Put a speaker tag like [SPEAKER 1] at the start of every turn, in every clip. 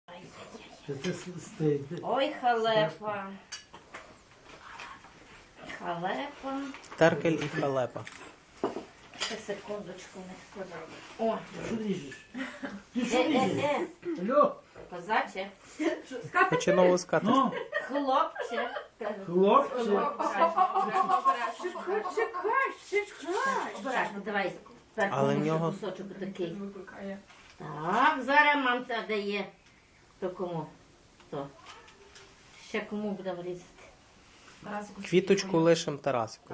[SPEAKER 1] Що це стоїть?
[SPEAKER 2] Ой, халепа. Халепа.
[SPEAKER 3] Теркель і халепа.
[SPEAKER 2] Ще секундочку не сказала. О,
[SPEAKER 1] Що ріжеш? Ти що ріжеш? Алло?
[SPEAKER 2] козаче.
[SPEAKER 3] Хоче нову скатерть.
[SPEAKER 1] Ну,
[SPEAKER 2] Хлопче.
[SPEAKER 1] хлопче.
[SPEAKER 4] Чекай.
[SPEAKER 2] Обережно, давай. Так,
[SPEAKER 3] Але в
[SPEAKER 2] може,
[SPEAKER 3] нього-
[SPEAKER 2] кусочок такий. Так, зараз мамця дає. То кому? То. Ще кому будемо різати?
[SPEAKER 3] Квіточку лишим Тарасикові.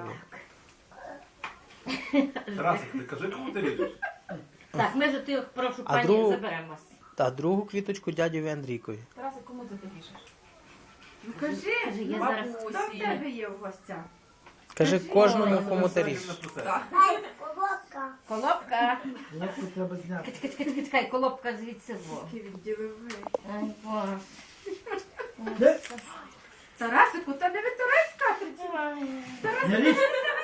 [SPEAKER 5] Тарасик, ти кажи, кому ти ріжеш?
[SPEAKER 2] Так, ми ж ти, прошу,
[SPEAKER 3] А
[SPEAKER 2] пані,
[SPEAKER 3] другу-
[SPEAKER 2] заберемось.
[SPEAKER 3] Та другу квіточку дядьові Андрійкові.
[SPEAKER 4] Тарасик, кому ти ріжеш?
[SPEAKER 6] Ну кажи,
[SPEAKER 2] Кажи, я зараз...
[SPEAKER 6] хто в тебе є в гостях?
[SPEAKER 3] Кажи кожному,
[SPEAKER 2] Ой,
[SPEAKER 3] кому ти
[SPEAKER 5] Це
[SPEAKER 3] ріжеш.
[SPEAKER 5] процес.
[SPEAKER 2] Колобка.
[SPEAKER 1] Лапку треба зняти.
[SPEAKER 2] Чекай, колобка звідси во.
[SPEAKER 6] Який відділовий.
[SPEAKER 2] Ай, Боже.
[SPEAKER 1] Де?
[SPEAKER 6] Тарасику, та не витирай скатерть.
[SPEAKER 1] Не ріж.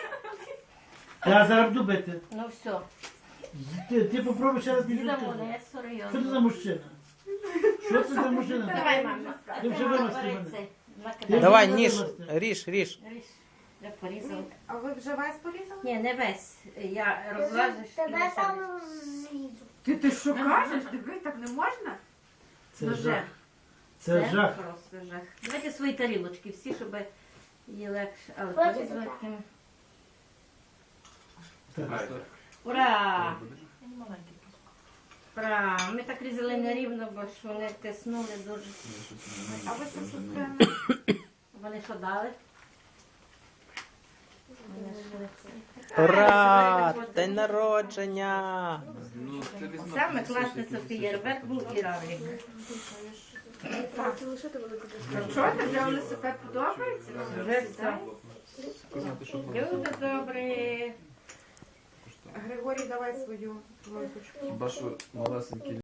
[SPEAKER 1] Я зараз буду бити.
[SPEAKER 2] Ну все.
[SPEAKER 1] Ти попробуй ще раз не
[SPEAKER 2] Діда
[SPEAKER 1] ріжеш.
[SPEAKER 2] молодець,
[SPEAKER 1] Що це
[SPEAKER 2] серйозно.
[SPEAKER 1] за мужчина? Що це за мужчина?
[SPEAKER 2] Давай, мама.
[SPEAKER 1] Ти вже вимасти мене.
[SPEAKER 2] Бери цей.
[SPEAKER 1] Я
[SPEAKER 2] Накидай.
[SPEAKER 3] Давай,
[SPEAKER 1] вже
[SPEAKER 3] ніж,
[SPEAKER 1] вимасти.
[SPEAKER 3] ріж.
[SPEAKER 2] Ріж. Я порізала.
[SPEAKER 6] А ви вже весь порізали?
[SPEAKER 2] Ні, не весь. Я розлажиш. і
[SPEAKER 7] Тебе
[SPEAKER 2] лише
[SPEAKER 7] там знизу.
[SPEAKER 6] Ти що кажеш? Диви, так не можна?
[SPEAKER 1] Це
[SPEAKER 2] Ну,
[SPEAKER 1] жах. Це жах.
[SPEAKER 2] Просто жах. Давайте свої тарілочки всі, щоб її легше. Але
[SPEAKER 7] Хочете
[SPEAKER 2] порізати.
[SPEAKER 7] так?
[SPEAKER 5] Ай,
[SPEAKER 2] Ура!
[SPEAKER 4] Маленький.
[SPEAKER 2] Ура! Ми так різали нерівно, бо ж вони тиснули дуже.
[SPEAKER 6] А ви що це?
[SPEAKER 2] Вони що дали? Вони ж-
[SPEAKER 3] Ура! День народження!
[SPEAKER 2] Саме класний феєрверк був і равлік.
[SPEAKER 6] Що, ти вже велосипед подобається?
[SPEAKER 2] Вже все. Люди добрі.
[SPEAKER 6] Григорій, давай свою ложечку.
[SPEAKER 5] Хіба що малесенький